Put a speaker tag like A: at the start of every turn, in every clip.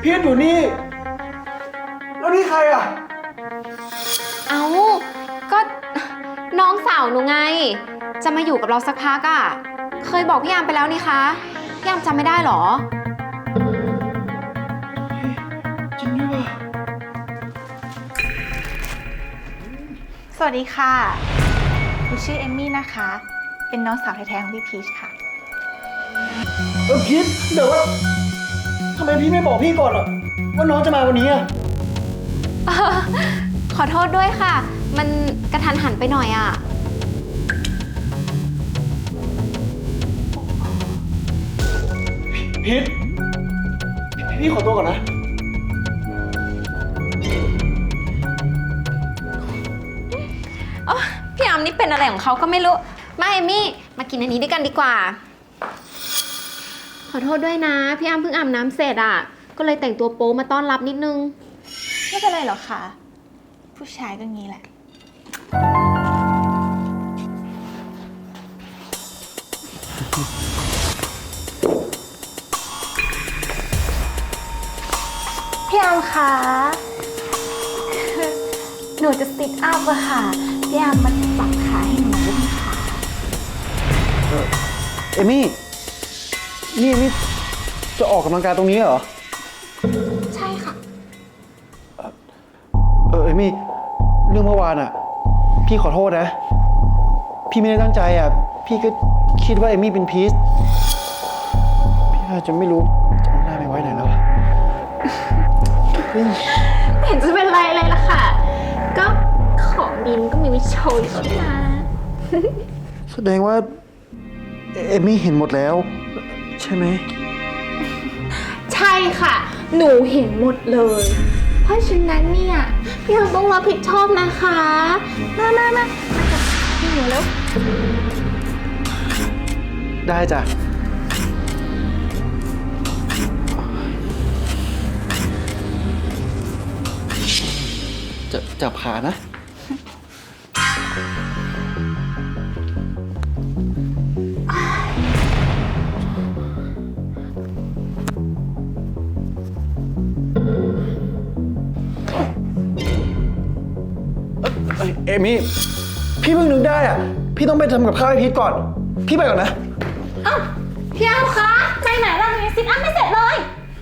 A: พีทอยู่นี่แล้วนี่ใครอ่ะ
B: เอาก็น้องสาวหนูไงจะมาอยู่กับเราสักพักอ่ะเคยบอกพี่ยามไปแล้วนี่คะพี่ยามจำไม่ได้หรอ
A: จริงด้วยว่ะ
C: สวัสดีค่ะหนูชื่อเอมมี่นะคะ เป็นน้องสาวแท้ๆของพี่พีชค่ะ
A: พีทเดี๋ยวว่าทำไมพี่ไม่บอกพี่ก่อนอ่ะว่าน้องจะมาวันนี้อ่ะ
B: ขอโทษด้วยค่ะมันกระทันหันไปหน่อยอ่ะ
A: พีทพี่ขอตัวก่อนนะ
B: พี่ยามนี่เป็นอะไรของเขาก็ไม่รู้มาเอมี่มากินอันนี้ด้วยกันดีกว่าขอโทษด้วยนะพี่ยามเพิ่งอาบน้ำเสร็จอ่ะก็เลยแต่งตัวโป๊มาต้อนรับนิดนึง
C: ไม่เป็นไรหรอกค่ะ ผู้ชายก็งี้แหละ พี่อามคะหนูจะซิทอัพอะค่ะ พี่อามมาปรับขาให้หนูด้วยนะคะ
A: เอมี่นี่เอมี่จะออกกำลังกายตรงนี้เหรอ
C: ใช่ค่ะ
A: เอมี่เรื่องเมื่อวานอ่ะพี่ขอโทษนะพี่ไม่ได้ตั้งใจอ่ะพี่ก็คิดว่าเอมี่เป็นพีชพี่อาจจะไม่รู้จะเอาหน้าไปไว้ไหนแล้ว
B: ไม่เห็นจะเป็นไรเลยล่ะค่ะก็ของดีมันก็มีวิโชยใช่ไหม
A: แสดงว่าเอมี่เห็นหมดแล้วใช่ไหม
C: ใช่ค่ะหนูเห็นหมดเลยเพราะฉะนั้นเนี่ยพี่อามต้องรับผิดชอบนะคะมาพี่หนูแล้ว
A: ได้จ้ะจับขานะเอมี่พี่เพิ่งนึกได้อ่ะพี่ต้องไปทำกับข้าวให้พีทก่อนพี่ไปก่อนนะ
C: อ้าวพี่อามคะไปไหนล่ะยังซิทอัพไม่เสร็จเลย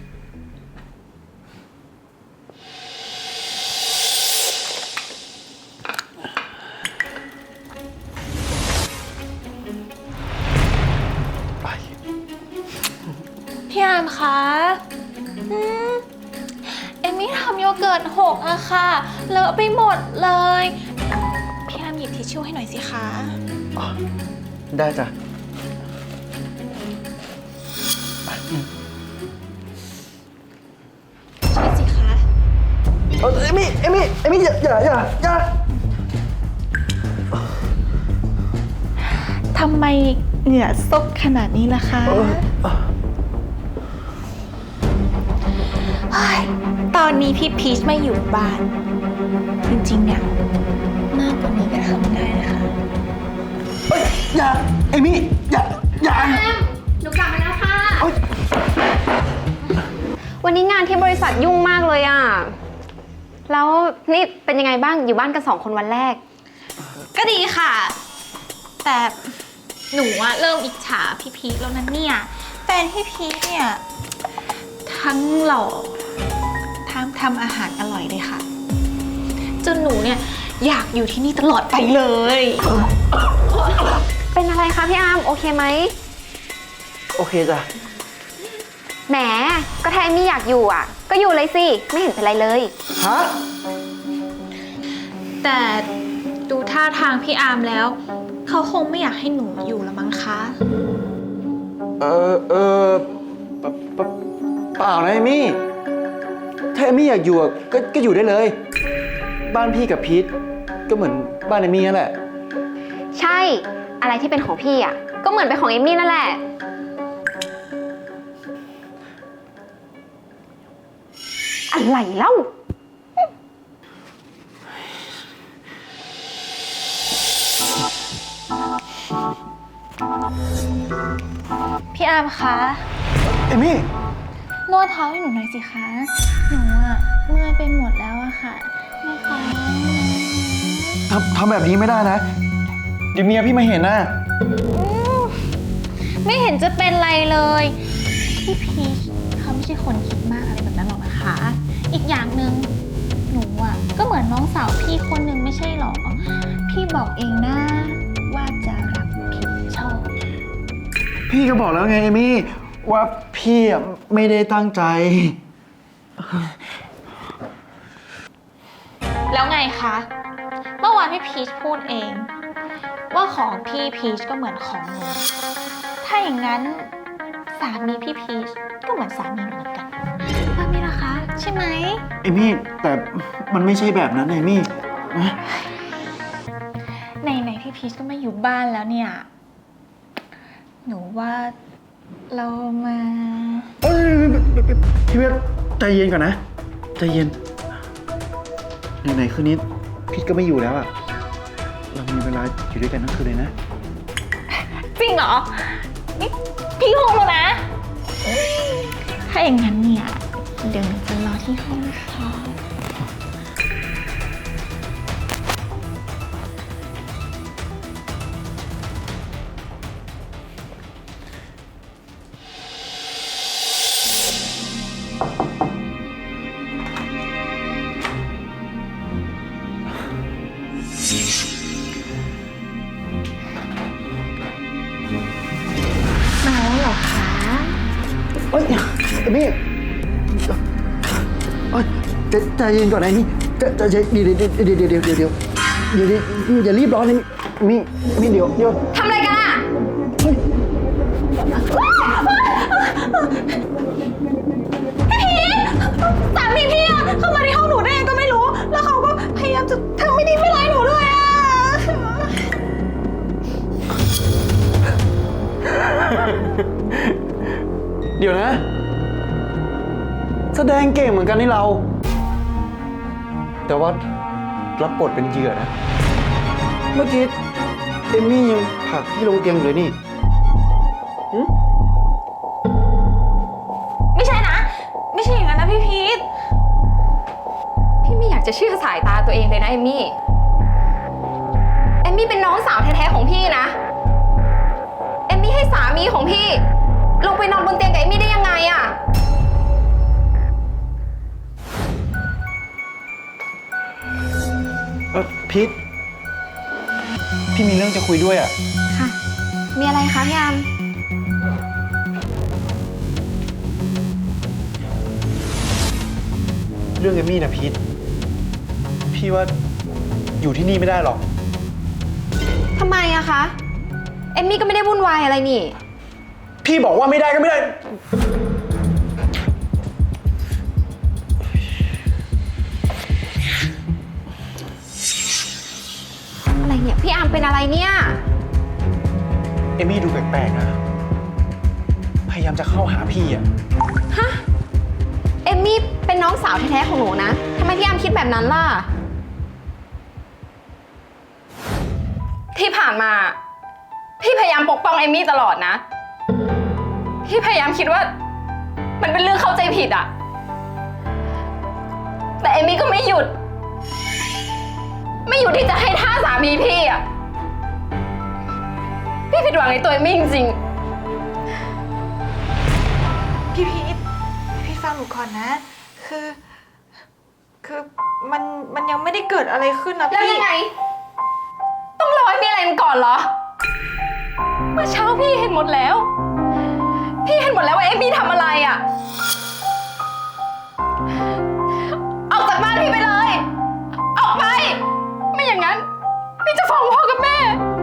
C: พี่อามคะเอมมี่ทำโยเกิร์ตหกอะค่ะเลอะไปหมดเลยพี่อามหยิบทิชชู่ให้หน่อยสิคะ
A: ได้จ้ะ
C: ช่วยสิคะ
A: เอมี่อย่า
C: ทำไมเหงื่อซกขนาดนี้ล่ะคะตอนนี้พี่พีชไม่อยู่บ้านจริงๆเนี่ยมากกว่านี้ก็ทำได้นะคะ
A: อย่าเอมี่อย่า
B: หนูกลับมาแล้วค่ะวันนี้งานที่บริษัทยุ่งมากเลยอ่ะแล้วนี่เป็นยังไงบ้างอยู่บ้านกัน2 คนวันแรก
C: ก็ดีค่ะ แต่หนูอะเริ่มอิจฉาพี่พีชแล้วนะเนี่ยแฟนพี่พีชเนี่ยทั้งหล่อทำอาหารอร่อยเลยค่ะจนหนูเนี่ยอยากอยู่ที่นี่ตลอดไปเลย
B: เป็นอะไรคะพี่อาร์มโอเคไหม
A: โอเคจ้ะ
B: แหมก็ถ้าเอมี่อยากอยู่อ่ะก็อยู่เลยสิไม่เห็นเป็นไรเลย
A: ฮะ
C: แต่ดูท่าทางพี่อาร์มแล้วเขาคงไม่อยากให้หนูอยู่ละมั้งคะ
A: เปล่านะเอมี่ถ้าเอมี่อยากอยู่ก็อยู่ได้เลยบ้านพี่กับพีทก็เหมือนบ้านเอมี่นั่นแหละ
B: ใช่อะไรที่เป็นของพี่อ่ะก็เหมือนเป็นของเอมี่นั่นแหละอะไรเล่า
C: พี่อาร์มคะ
A: เอมี่
C: นวดเท้าให้หนูหน่อยสิคะ หนูอะเมื่อยไปหมดแล้วอะค่ะนะคะ
A: ทำแบบนี้ไม่ได้นะ เดี๋ยวเมียพี่มาเห็นนะ
C: ไม่เห็นจะเป็นไรเลย พี่พีชเขาไม่ใช่คนคิดมากอะไรแบบนั้นหรอกนะคะ อีกอย่างหนึ่งหนูอ่ะก็เหมือนน้องสาวพี่คนหนึ่งไม่ใช่หรอ พี่บอกเองนะว่าจะรับผิดชอบ
A: พี่ก็บอกแล้วไงเอมี่ว่าพี่อะไม่ได้ตั้งใจ
C: แล้วไงคะ เมื่อวานพี่พีชพูดเอง ว่าของพี่พีชก็เหมือนของหนู ถ้าอย่างนั้นสามีพี่พีชก็เหมือนสามีหนูเหมือนกันว่าไหมล่ะคะ ใช่ไหม
A: เอมี่แต่มันไม่ใช่แบบนั้นเอมี่นะ
C: ไหนๆพี่พีชก็ไม่อยู่บ้านแล้วเนี่ย หนูว่าเรามา
A: เอ้ยพี่เวทใจเย็นก่อนนะใจเย็นไหนๆคืนนี้พีทก็ไม่อยู่แล้วอะเรามีเวลาอยู่ด้วยกันทั้งคืนเลยนะ
C: จริงเหรอ นี่พี่ห้องแล้วนะ ถ้าอย่างนั้นเนี่ย เดี๋ยวหนูจะรอที่ห้องค่ะ มาแล้วเหรอคะ
A: เอ้ยเอมี่เอ้ยใจเย็นก่อนนะเอมี่ใจเดี๋ยวอย่ารีบร้อนเลยเอมี่เดี๋ยว
B: ทำอะไรกันอะ
A: เฮ้ย
C: สามีพี่อะเข้ามาในห้องหนูได้ยังก็ไม่รู้ แล้วเขาก็พยายามจะทำไม่ดีไม่ร้ายหนูด้วยอะ
A: เดี๋ยวนะ แสดงเก่งเหมือนกันนี่เรา แต่ว่ารับบทเป็นเหยื่อนะ เมื่อกี้เอมมี่ยังผลักพี่ลงเตียงอยู่เลยนี่หึ
C: ไม่ใช่นะ ไม่ใช่อย่างนั้นนะพี่พีท
B: พี่ไม่อยากจะเชื่อสายตาตัวเองเลยนะเอมมี่ เอมมี่เป็นน้องสาวแท้ๆของพี่นะ เอมมี่ให้สามีของพี่ ลงไปนอนบนเตียงกับเอมมี่ได้ยังไงอะ
A: พีทพี่มีเรื่องจะคุยด้วยอ่ะ
B: ค่ะ มีอะไรคะพี่อาม
A: เรื่องเอมมี่นะพีทพี่ว่าอยู่ที่นี่ไม่ได้หรอก
B: ทำไมอะคะ เอมมี่ก็ไม่ได้วุ่นวายอะไรนี่
A: พี่บอกว่าไม่ได้ก็ไม่ได้
B: อะไรเนี่ย พี่อามเป็นอะไรเนี่ย
A: เอมมี่ดูแปลกๆนะ พยายามจะเข้าหาพี่อ่ะ
B: ฮะ เอมมี่เป็นน้องสาวแท้ๆของหนูนะ ทำไมพี่อามคิดแบบนั้นล่ะ ที่ผ่านมา พี่พยายามปกป้องเอมมี่ตลอดนะ พี่พยายามคิดว่า มันเป็นเรื่องเข้าใจผิดอะแต่เอมมี่ก็ไม่หยุด ไม่หยุดที่จะให้ท่าสามีพี่อะพี่ผิดหวังในตัวเอมมี่จริงๆ
D: พี่พีทฟังหนูก่อนนะ คือมันยังไม่ได้เกิดอะไรขึ้นนะ
B: แล้ว
D: พี่
B: ยังไง ต้องรอให้มีอะไรกันก่อนเหรอ เมื่อเช้าพี่เห็นหมดแล้ว พี่เห็นหมดแล้วว่าเอมมี่ทำอะไรอ่ะ ออกจากบ้านพี่ไปเลย ออกไป ไม่อย่างนั้น พี่จะฟ้องพ่อกับแม่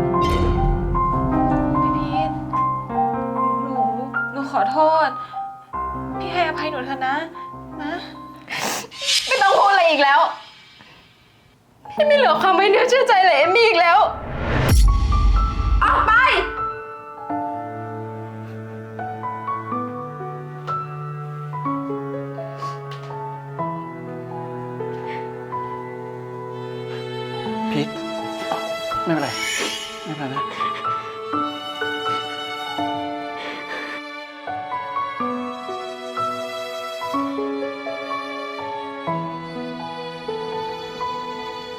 D: พี่พีทหนูขอโทษ พี่ให้อภัยหนูเถอะนะ
B: ไม่ต้องพูดอะไรอีกแล้ว พี่ไม่เหลือความไว้เนื้อเชื่อใจเลยเอมมี่อีกแล้ว ออกไป
A: พีทไม่เป็นไร ไม่เป็นไรนะ